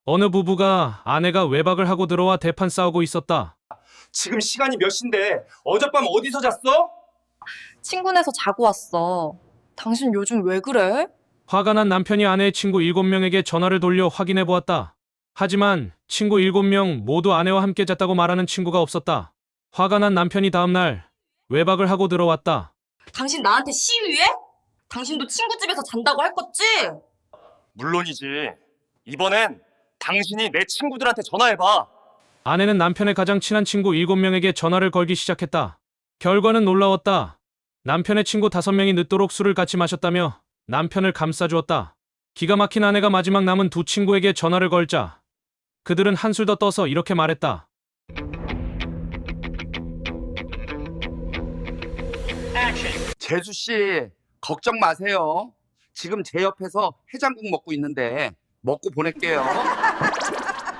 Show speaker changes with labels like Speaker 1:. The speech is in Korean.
Speaker 1: 어느 부부가 아내가 외박을 하고 들어와 대판 싸우고 있었다.
Speaker 2: 지금 시간이 몇 시인데 어젯밤 어디서 잤어?
Speaker 3: 친구네서 자고 왔어. 당신 요즘 왜 그래?
Speaker 1: 화가 난 남편이 아내의 친구 7명에게 전화를 돌려 확인해 보았다. 하지만 친구 7명 모두 아내와 함께 잤다고 말하는 친구가 없었다. 화가 난 남편이 다음날 외박을 하고 들어왔다.
Speaker 3: 당신 나한테 시위해? 당신도 친구 집에서 잔다고 할 거지?
Speaker 2: 물론이지. 이번엔 당신이 내 친구들한테 전화해봐.
Speaker 1: 아내는 남편의 가장 친한 친구 7명에게 전화를 걸기 시작했다. 결과는 놀라웠다. 남편의 친구 5명이 늦도록 술을 같이 마셨다며 남편을 감싸주었다. 기가 막힌 아내가 마지막 남은 두 친구에게 전화를 걸자 그들은 한술 더 떠서 이렇게 말했다.
Speaker 4: 재수씨, 걱정 마세요. 지금 제 옆에서 해장국 먹고 있는데 먹고 보낼게요.